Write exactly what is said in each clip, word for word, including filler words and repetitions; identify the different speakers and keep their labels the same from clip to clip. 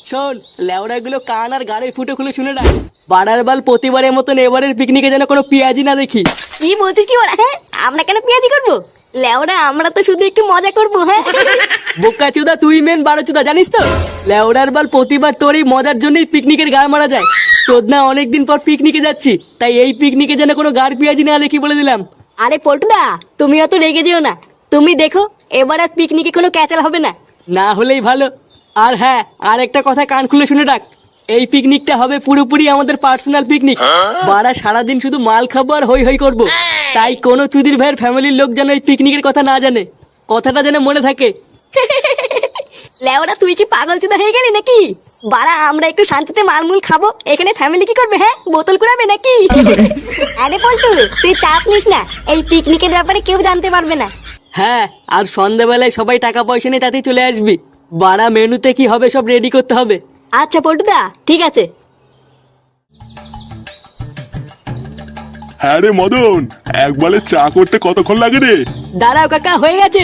Speaker 1: শোন, লেওড়াগুলো কান আর গাড়ির ফুটো খুলে শুনে রাখ। বাড়ার বাল প্রতিবারের মতন এবারের পিকনিকে যেন কোনো পেঁয়াজি না দেখি।
Speaker 2: কি বলছিস কি বলা? হ্যাঁ, আমরা কেন পেঁয়াজি করবো? লেওরা আমরা তো শুধু একটু মজা করবো। হ্যাঁ
Speaker 1: বোকা চুদা, তুই মেন বারো চুদা, জানিস তো? লেওড়ার বাল প্রতিবার তোর এই মজার জন্যই পিকনিকের গাড় মারা যায়। চোদনা অনেকদিন পর পিকনিকে যাচ্ছি, তাই এই পিকনিকে যেন কোনো গাড় পেঁয়াজি না দেখি বলে দিলাম।
Speaker 2: আরে পল্টুদা, তুমি অত রেগে যেও না। তুমি দেখো, এবার আর পিকনিকে কোনো ক্যাচাল হবে না।
Speaker 1: না হলেই ভালো। আর হ্যাঁ, আর একটা কথা কান খুলে শুনে রাখ, এই পিকনিকটা হবে পুরোপুরি আমাদের পার্সোনাল পিকনিক। বারা সারাদিন শুধু মাল খাবো আর হই হই করবো। তাই কোনো চুদির ভাইয়ের ফ্যামিলির লোক যেন এই পিকনিকের কথা না জানে, কথাটা যেন মনে থাকে।
Speaker 2: লেওরা তুই কি পাগল চুদা হয়ে গেলি নাকি? বাড়া আমরা একটু শান্তিতে মালমুল খাবো, এখানে ফ্যামিলি কি করবে? হ্যাঁ, বোতল কুড়াবে নাকি? আরে পল্টু, তুই চাপ নিস না, এই পিকনিকের ব্যাপারে কেউ জানতে পারবে না।
Speaker 1: হ্যাঁ, আর সন্ধ্যাবেলায় সবাই টাকা পয়সা নিয়ে তাতেই চলে আসবি। বারা মেনুতে কি হবে সব রেডি করতে হবে।
Speaker 2: আচ্ছা পল্টুদা, ঠিক আছে।
Speaker 3: হ্যাঁ রে মদন, একবারে চা করতে কতক্ষণ লাগে রে?
Speaker 1: দাঁড়াও কাকা, হয়ে গেছে।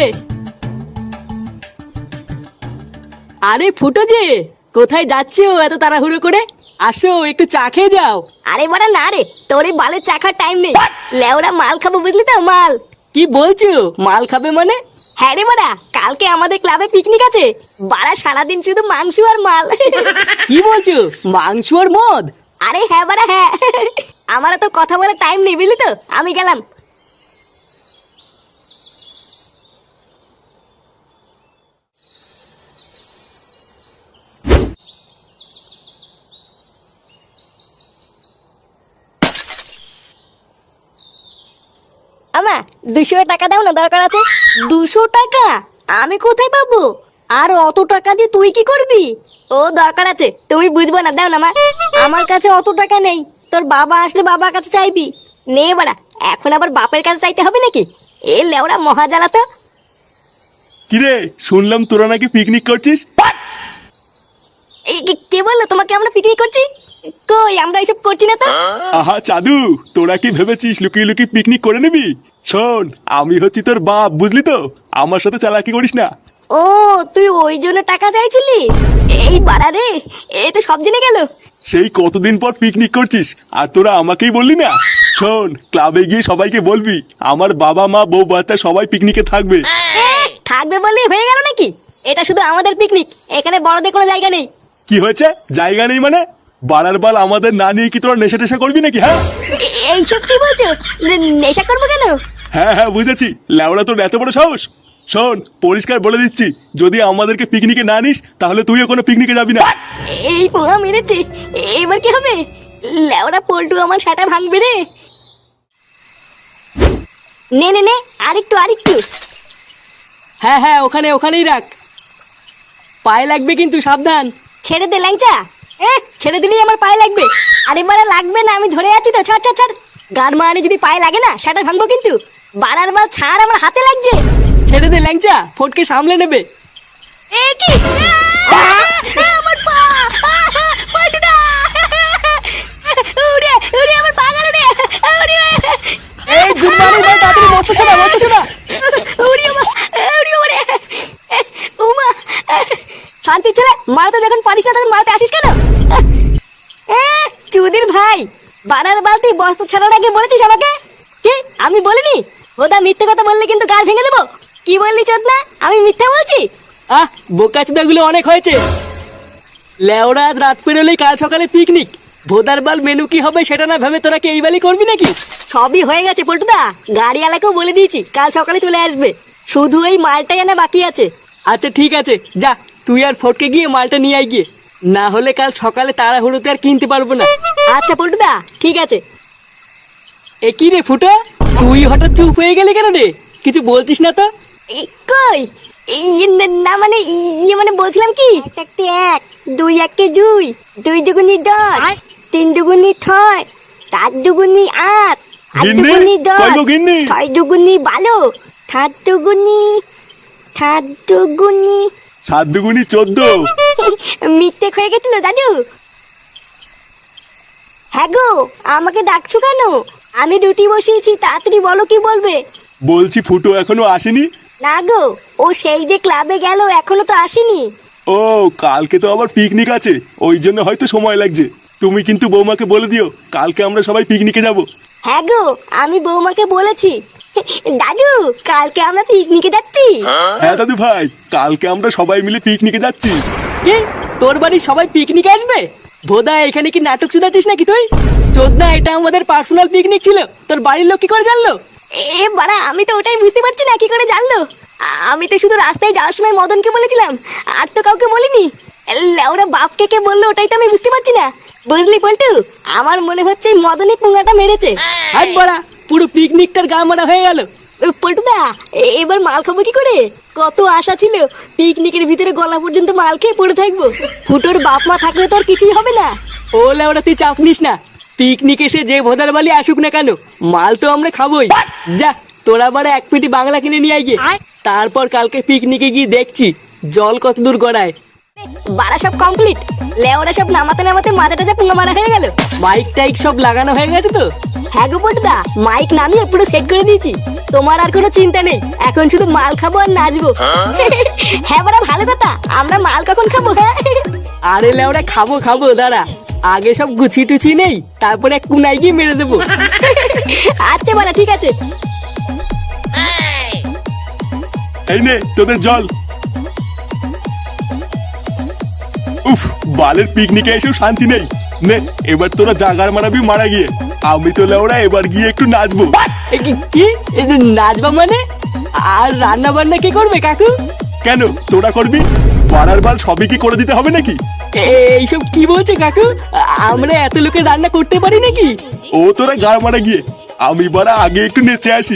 Speaker 1: আরে ফুটো যে, কোথায় যাচ্ছো এত তাড়াহুড়ো করে? আসো একটু চা খেয়ে যাও।
Speaker 2: আরে বাড়া না রে, তোর এই বালের চাখার টাইম নেই। লেওরা মাল খাবো, বুঝলি তো? মাল।
Speaker 1: কি বলছো? মাল খাবে মানে?
Speaker 2: হ্যাঁ রে বাড়া, কালকে আমাদের ক্লাবে পিকনিক আছে। বাড়া সারাদিন শুধু মাংস আর মাল।
Speaker 1: কি বলছো? মাংস আর মদ?
Speaker 2: আরে হ্যাঁ বাড়া হ্যাঁ, আমার তো কথা বলার টাইম নেই, বুঝলি তো? আমি গেলাম। আমা, দুশো টাকা দাও না, দরকার আছে। দুশো টাকা আমি কোথায় পাবো? আর অত টাকা দিয়ে তুই কি করবি? ও দরকার আছে, তুমি বুঝবো না, দাও না মা। আমার কাছে অত টাকা নেই, তোর বাবা আসলে বাবার কাছে চাইবি। নে বাড়া, এখন আবার বাপের কাছে চাইতে হবে নাকি? এ লেওড়া মহা জ্বালা তো।
Speaker 3: কিরে, শুনলাম তোরা নাকি পিকনিক করছিস?
Speaker 2: এই কে- কে বললো তোমাকে আমরা পিকনিক করছি? কই, আমরা এসব করছি না তো।
Speaker 3: আহা চাদু, তোরা কি ভেবেছিস লুকিয়ে লুকিয়ে পিকনিক করে নিবি? শোন, আমি হচ্ছি তোর বাপ, বুঝলি তো? আমার সাথে চালাকি করিস না।
Speaker 2: ও, তুই ওই জন্য টাকা চাইছিলিস? এই বাড়া রে, এই তো সব জেনে গেল।
Speaker 3: সেই কতদিন পর পিকনিক করছিস আর তোরা আমাকেই বললি না? শোন, ক্লাবে গিয়ে সবাইকে বলবি আমার বাবা মা বউ বাচ্চা সবাই পিকনিকে থাকবে।
Speaker 2: এ, থাকবে বললেই হয়ে গেল নাকি? এটা শুধু আমাদের পিকনিক, এখানে বড়দের কোনো জায়গা নেই।
Speaker 3: কি হয়েছে? জায়গা নেই মানে? বাড়ার বাল আমাদের না নিয়ে কি তোরা নেশা টেশা করবি নাকি? হ্যাঁ
Speaker 2: এ- এইসব কি বলছো? নে- নেশা করবো কেন?
Speaker 3: হ্যাঁ হ্যাঁ বুঝেছি, ল্যাওড়া তোর এত বড় সাহস। শোন, পরিষ্কার বলে দিচ্ছি, যদি আমাদেরকে পিকনিকে না নিস তাহলে তুইও কোনো পিকনিকে যাবি না।
Speaker 2: এই পোহা মেরেছে, এবার কি হবে? লেওড়া পল্টু আমার সাটা ভাঙবে রে। নে নে নে, আরেকটু আরেকটু।
Speaker 1: হ্যাঁ হ্যাঁ, ওখানে ওখানেই রাখ। পায়ে লাগবে কিন্তু, সাবধান।
Speaker 2: ছেড়ে দে ল্যাংচা। এ, ছেড়ে দিলেই আমার পায়ে লাগবে। আরে বাড়া লাগবে না, আমি ধরে আছি তো। ছাড় ছাড় ছাড়। গান মানে যদি পায়ে লাগে না, সেটা ভাঙবো কিন্তু। বাড়ার বার ছাড়, আমার হাতে লাগছে।
Speaker 1: ছেড়ে দে ল্যাংচা, ফটকে সামলে নেবে।
Speaker 2: এ কি? আ, আ, আমার পা! আ, পল্টুদা! উড়ে, উড়ে আমার পা গেল রে! উড়ে!
Speaker 1: এই গুনমানি ভাই, তাড়াতাড়ি বসতে শোনা, বসতে শোনা।
Speaker 2: উড়ে মা! উড়ে ওরে! ওমা! শান্তি ছেলে, মারাতে যখন পারিস না তখন মারাতে আসিস কেন? এ, চুদির ভাই, বানার বালতি বস্তা ছাড়ার আগে বলেছিস আমাকে? কি আমি বলিনি? ওটা মিথ্যে কথা বললে কিন্তু গাল ভেঙে দেবো। কি বললি চোদনা? আমি মিথ্যা বলছি?
Speaker 1: আহ, বোকাচুদাগুলো অনেক হয়েছে। লেওরা আজ রাত পেরোলেই কাল সকালে পিকনিক। ভোদার বাল মেনু কি হবে সেটা না ভেবে তোরা কি এই বালি করবি নাকি?
Speaker 2: সবই হয়ে গেছে পল্টুদা, গাড়িওয়ালাকেও বলে দিয়েছি কাল সকালে চলে আসবে। শুধু এই মালটাই আনা বাকি আছে।
Speaker 1: আচ্ছা ঠিক আছে, যা তুই আর ফটকে গিয়ে মালটা নিয়ে আয় গিয়ে। না হলে কাল সকালে তাড়াহুড়োতে আর কিনতে পারবো না।
Speaker 2: আচ্ছা পল্টুদা, ঠিক আছে।
Speaker 1: এ কি রে ফুটো, তুই হঠাৎ চুপ হয়ে গেলি কেন রে? কিছু বলছিস না তো?
Speaker 2: এ, কই? ইয়ে না- না মানে ইয়ে মানে বলছিলাম কি, এক একটি এক, দুই একটি দুই, দুই দুগুনি দশ, তিন দুগুনি ছয়, চার দুগুনি আট, আট
Speaker 3: গিন্নি?
Speaker 2: দুগুনি দশ,
Speaker 3: কই গো গিন্নি?
Speaker 2: ছয় দুগুনি বারো, সাত দুগুনি, সাত দুগুনি।
Speaker 3: সাত দুগুনি চোদ্দ।
Speaker 2: মিথ্যে হয়ে গেছিল দাদু। হ্যাঁ গো, আমাকে ডাকছো কেন? আমি রুটি বসিয়েছি, তাড়াতাড়ি বলো কি বলবে।
Speaker 3: বলছি ফুটো এখনো আসেনি?
Speaker 2: না গো, ও সেই যে ক্লাবে গেল, এখনো তো আসেনি।
Speaker 3: ও কালকে তো আবার পিকনিক আছে, ওই জন্য হয়তো সময় লাগছে। তুমি কিন্তু বৌমাকে বলে দিও কালকে আমরা সবাই পিকনিকে যাব।
Speaker 2: হ্যাঁ গো, আমি বৌমাকে বলেছি। দাদু, কালকে আমরা পিকনিকে যাচ্ছি।
Speaker 3: হ্যাঁ দাদু ভাই, কালকে আমরা সবাই মিলে পিকনিকে যাচ্ছি।
Speaker 1: কি তোর বাড়ির সবাই পিকনিকে আসবে? ভোদা এখানে কি নাটক শুধাচ্ছিস নাকি তুই? চোদনা, এটা আমাদের পার্সোনাল পিকনিক ছিল, তোর বাড়ির লোক কি করে জানলো?
Speaker 2: এ বাড়া, আমি তো ওটাই বুঝতে পারছি না কি করে জানলো। আমি তো শুধু রাস্তায় যাওয়ার সময় মদনকে বলেছিলাম, আর তো কাউকে বলিনি। ওরা বাপকে কে বললো ওটাই তো আমি বুঝতে পারছি না। বুঝলি পল্টু, আমার মনে হচ্ছে এই মদনই পুঙ্গাটা মেরেছে।
Speaker 1: আর বড়া, পুরো পিকনিকটার গা মারা হয়ে গেল।
Speaker 2: পল্টুদা, এবার মাল খাবো কি করে? কত আশা ছিল পিকনিকের ভিতরে গলা পর্যন্ত মাল খেয়ে পড়ে থাকবো। ফুটোর বাপ মা থাকলে তো আর কিছুই হবে না।
Speaker 1: ও লেওড়া, তুই চাপ নিস না। পিকনিক এসে যে ভোদার বালি আসুক না কেন, মাল তো আমরা খাবোই। যা, তোরা বারে এক পেটি বাংলা কিনে নিয়ে আয় গিয়ে। তারপর কালকে পিকনিকে গিয়ে দেখছি জল কত দূর গড়ায়।
Speaker 2: বাড়া সব কমপ্লিট। লেওরা সব নামাতে নামাতে মাথাটা যা পুঙ্গা মারা হয়ে গেল।
Speaker 1: মাইক টাইক সব লাগানো হয়ে গেছে তো?
Speaker 2: হ্যাঁ গো পল্টুদা, মাইক নামিয়ে পুরো সেট করে দিয়েছি। তোমার আর কোনো চিন্তা নেই, এখন শুধু মাল খাবো আর নাচবো। হ্যাঁ বাড়া, ভালো কথা। আমরা মাল কখন খাবো? হ্যাঁ
Speaker 1: আরে লেওড়া, খাবো খাবো, দাঁড়া আগে সব গুছি টুচি নেই, তারপরে কুনাই গিয়ে মেরে দেবো।
Speaker 2: আচ্ছা বাড়া, ঠিক আছে।
Speaker 3: এই নে তোদের জল। উফ, বালের পিকনিকে এসেও শান্তি নেই। নে এবার তোরা জাগার মারাবি মারা গিয়ে। আমি তো লেওড়া এবার গিয়ে একটু নাচবো।
Speaker 1: এ কি কি? এই যে নাচবা মানে? আর রান্না বান্না কে করবে কাকু?
Speaker 3: কেন, তোরা করবি? পাড়ার বাল সবই কি করে দিতে হবে নাকি?
Speaker 1: এ- এইসব কি বলছে কাকু? আ- আমরা এত লোকের রান্না করতে পারি নাকি?
Speaker 3: ও তোরা গাড় মারা গিয়ে, আমি বারা আগে একটু নেচে আসি।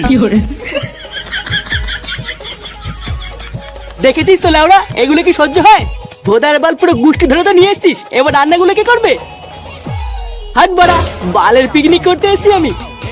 Speaker 1: দেখেছিস তো লেওড়া, এগুলো কি সহ্য হয়? ভোদার বাল পুরো গুষ্টি ধরে তো নিয়ে এসছিস, এবার রান্নাগুলো কে করবে? হাত বাড়া, বালের পিকনিক করতে এসছি আমি।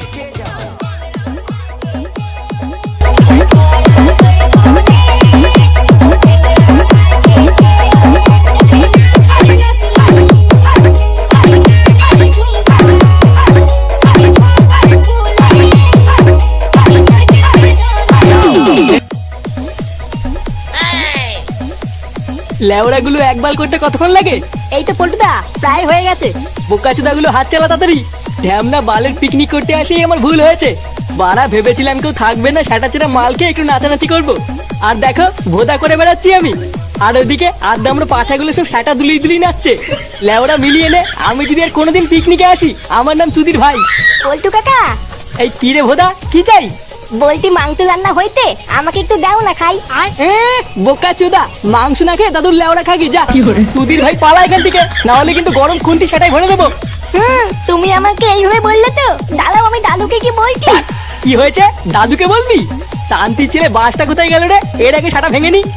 Speaker 1: লেওড়াগুলো একবার করতে কতক্ষণ লাগে?
Speaker 2: এই তো পল্টুদা, প্রায় হয়ে গেছে।
Speaker 1: বোকাচোদাগুলো হাত চালা তাড়াতাড়ি। ঢ্যামনা বালের পিকনিক করতে আসেই আমার ভুল হয়েছে। বাড়া, ভেবেছিলাম কেউ থাকবে না, সেটা চেরা মালকে একটু নাচানাচি করবো। আর দেখো, ভোদা করে বেড়াচ্ছি আমি। আর ওইদিকে আড্ডা আমরা পাঠাগুলো সব সেটা দুলিয়ে দুলিয়ে নাচছে। লেওড়া মিলিয়ে নে, আমি যদি আর কোনোদিন পিকনিকে আসি, আমার নাম চুদির ভাই।
Speaker 2: পল্টু কাকা,
Speaker 1: এই কি রে ভোদা, কি চাই?
Speaker 2: বলতি মাংস রান্না হইতে আমাকে একটু দাও না খাই।
Speaker 1: এ বোকা চোদা, মাংস না খেয়ে দাদুর লেওড়া খাগি যা। চুদির ভাই পালা এখান থেকে, না হলে কিন্তু গরম খুন্তি সেটাই ভরে দেবো।
Speaker 2: হুম, তুমি আমাকে এইভাবে বললে তো, দাঁড়াও আমি দাদুকে কি বলছি।
Speaker 1: কি হয়েছে, দাদুকে বলবি? শান্তির ছেলে, বাসটা কোথায় গেল রে? এর আগে সাটা ভেঙে নি।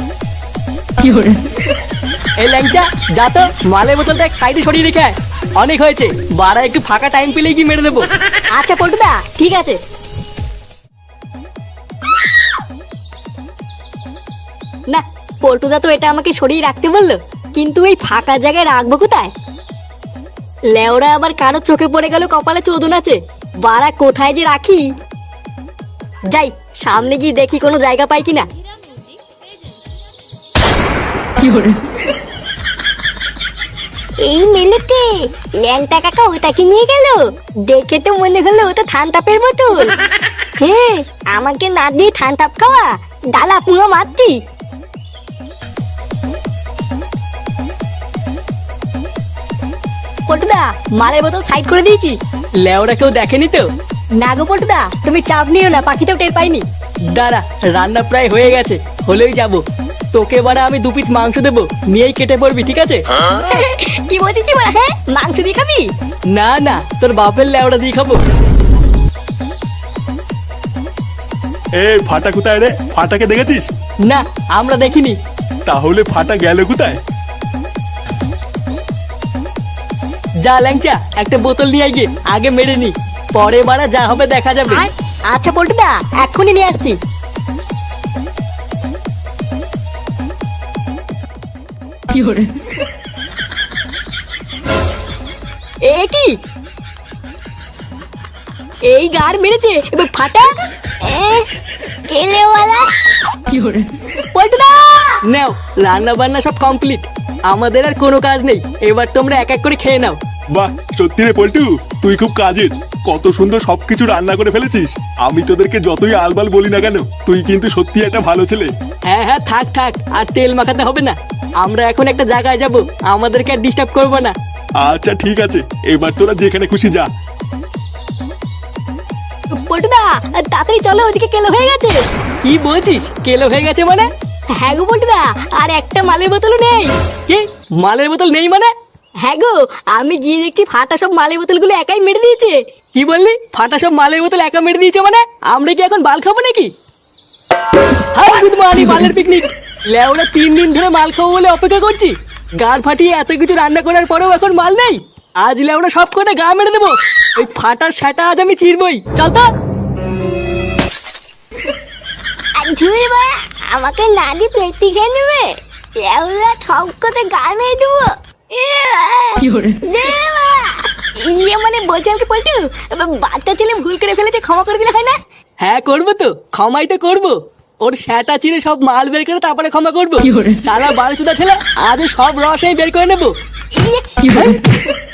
Speaker 1: এই ল্যাংচা, যা তো মালের বোতলটা এক সাইডে সরিয়ে রেখে আয়। অনেক হয়েছে, বাড়া একটু ফাঁকা টাইম পেলেই কি মেরে দেবো।
Speaker 2: আচ্ছা পল্টুদা, ঠিক আছে। না, পল্টুদা তো এটা আমাকে সরিয়ে রাখতে বললো, কিন্তু এই ফাঁকা জায়গায় রাখবো কোথায়? লেওরা আবার কারো চোখে পড়ে গেল কপালে চোদন আছে। বাড়া কোথায় যে রাখি? যাই, সামনে গিয়ে দেখি কোনো জায়গা পাই কিনা। এই মেলেতে ল্যাংটা কাকা ওটাকে নিয়ে গেল। দেখে তো মনে হলো ওটা থানতাপের বোতল। হ্যাঁ, আমাকে না দিয়ে থানতাপ খাওয়া, ডালা পুরো মারতি। পল্টুদা, মালের বোতল সাইড করে দিয়েছি।
Speaker 1: লেওরা কেউ দেখেনি তো?
Speaker 2: না গো পল্টুদা, তুমি চাপ নিও না, পাখিতেও টের পাইনি।
Speaker 1: দাঁড়া, রান্না প্রায় হয়ে গেছে, হলেই যাবো। তোকে বারা আমি দু পিস মাংস দেবো, নিয়েই কেটে পড়বি, ঠিক আছে?
Speaker 2: কি বলছিস বলা? হ্যাঁ, মাংস দিয়ে খাবি?
Speaker 1: না না, তোর বাপের লেওড়া দিয়ে খাবো।
Speaker 3: এ ফাটা কোথায় রে? ফাটাকে দেখেছিস?
Speaker 1: না, আমরা দেখিনি।
Speaker 3: তাহলে ফাটা গেল কোথায়?
Speaker 1: যা ল্যাংচা, একটা বোতল নিয়ে আয় গিয়ে, আগে মেরে নি, পরে বারা যা হবে দেখা যাবে।
Speaker 2: আচ্ছা পল্টুদা, এক্ষুনি নিয়ে আসছি। এ কি? এই গার মেরেছে, এবার ফাটা। এ, কেলেওয়ালা। পল্টুদা
Speaker 1: নাও, রান্না বান্না সব কমপ্লিট, আমাদের আর কোনো কাজ নেই, এবার তোমরা এক এক করে খেয়ে নাও।
Speaker 3: বাহ, সত্যি রে পল্টু, তুই খুব কাজের। কত সুন্দর সবকিছু রান্না করে ফেলেছিস। আমি তোদেরকে যতই আলবাল বলি না কেন, তুই কিন্তু সত্যি একটা ভালো ছেলে।
Speaker 1: হ্যাঁ হ্যাঁ, থাক থাক, আর তেল মাখাতে হবে না। আমরা এখন একটা জায়গায় যাব, আমাদেরকে আর ডিস্টার্ব করবো না।
Speaker 3: আচ্ছা ঠিক আছে, এবার তোরা যেখানে খুশি যা।
Speaker 2: পল্টুদা তাড়াতাড়ি চলো, ওদিকে কেলো হয়ে গেছে।
Speaker 1: কি বলছিস, কেলো হয়ে গেছে মানে?
Speaker 2: হ্যাঁ গো পল্টুদা, আর একটা মালের বোতলও নেই।
Speaker 1: কি, মালের বোতল নেই মানে?
Speaker 2: হ্যাঁ গো, আমি গিয়ে দেখছি ফাটা সব মালের বোতলগুলো একাই মেরে দিয়েছে।
Speaker 1: কি বললি, ফাটা সব মালের বোতল একা মেরে দিয়েছে মানে? আমরা কি এখন বাল খাবো নাকি? হাই গুড মর্নিং, মালের পিকনিক। লেওরা তিন দিন ধরে মাল খাবো বলে অপেক্ষা করছি, গাড় ফাটিয়ে এত কিছু রান্না করার পরেও এখন মাল নেই। আজ লেওরা সব কটা গা মেরে দেবো, ওই ফাটার সেটা আজ আমি চিরবই। চল তো।
Speaker 2: ঝুই বা আমাকে না দিয়ে পেটি খেয়ে নেবে, এগুলা সব কথা গা মেরে দেবো। ইয়ে মানে বলছিলাম কি পল্টু, বাচ্চা ছেলে ভুল করে ফেলেছে, ক্ষমা করে দিলে হয় না?
Speaker 1: হ্যাঁ করবো তো, ক্ষমাই তো করবো। ওর সেটা চিরে সব মাল বের করে তারপরে ক্ষমা করবো। সারা বারোচুদা ছেলে, আজ সব রস বের করে নেবো।
Speaker 2: ইয়ে